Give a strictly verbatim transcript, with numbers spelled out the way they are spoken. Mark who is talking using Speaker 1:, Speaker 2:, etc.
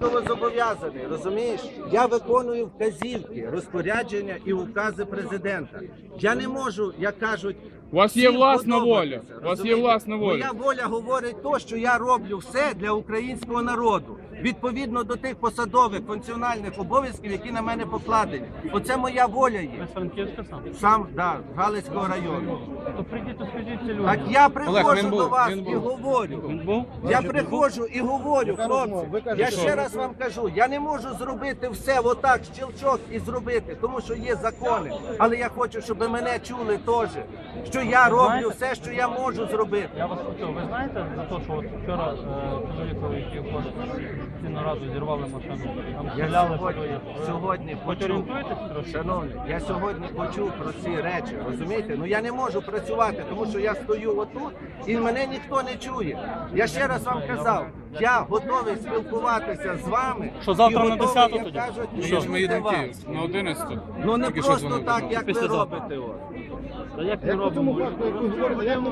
Speaker 1: військовозобов'язаний, розумієш? Я виконую вказівки, розпорядження і укази президента. Я не можу, як кажуть,
Speaker 2: У вас є
Speaker 1: всім
Speaker 2: власна воля.
Speaker 1: подобатися,
Speaker 2: У вас є
Speaker 1: розумієте?
Speaker 2: власна воля.
Speaker 1: Моя воля говорить то, що я роблю все для українського народу. Відповідно до тих посадових функціональних обов'язків, які на мене покладені. Оце моя воля є.
Speaker 3: Ви з Франківська сам?
Speaker 1: Сам, да, з Галицького району.
Speaker 3: То прийдіть, то скажіть це людям.
Speaker 1: Так я
Speaker 2: Олег,
Speaker 1: приходжу
Speaker 2: він був,
Speaker 1: до вас
Speaker 2: він
Speaker 1: і
Speaker 2: був.
Speaker 1: говорю.
Speaker 3: Він був?
Speaker 1: Я приходжу і говорю, хлопці, я ще раз вам кажу, я не можу зробити все отак, щелчок і зробити, тому що є закони. Але я хочу, щоб мене чули теж, що я роблю все, що я можу зробити.
Speaker 3: Я вас почув. Ви знаєте за те, що от вчора е, чоловікові, який входить в цінну раду, зірвали машину, там
Speaker 1: Я
Speaker 3: стріляли по
Speaker 1: сьогодні, сьогодні
Speaker 3: Хоч
Speaker 1: почув,
Speaker 3: орієнтуєтесь трошки?
Speaker 1: шановні, я сьогодні почув про ці речі, розумієте? Ну я не можу працювати, тому що я стою отут і мене ніхто не чує. Я ще раз вам казав, я готовий спілкуватися з вами.
Speaker 3: Що, завтра
Speaker 1: і
Speaker 3: на
Speaker 1: готовий,
Speaker 3: десяту
Speaker 1: як
Speaker 3: тоді?
Speaker 1: кажуть,
Speaker 2: Ну, що ж, ми
Speaker 1: чути
Speaker 2: їдемо в
Speaker 1: вас.
Speaker 2: Київ на одинадцяту.
Speaker 1: Ну не
Speaker 2: Тільки що
Speaker 1: просто
Speaker 2: дзвонив.
Speaker 1: так, як ви
Speaker 3: Після завтра.
Speaker 1: робите. От.
Speaker 3: Та як ми робимо?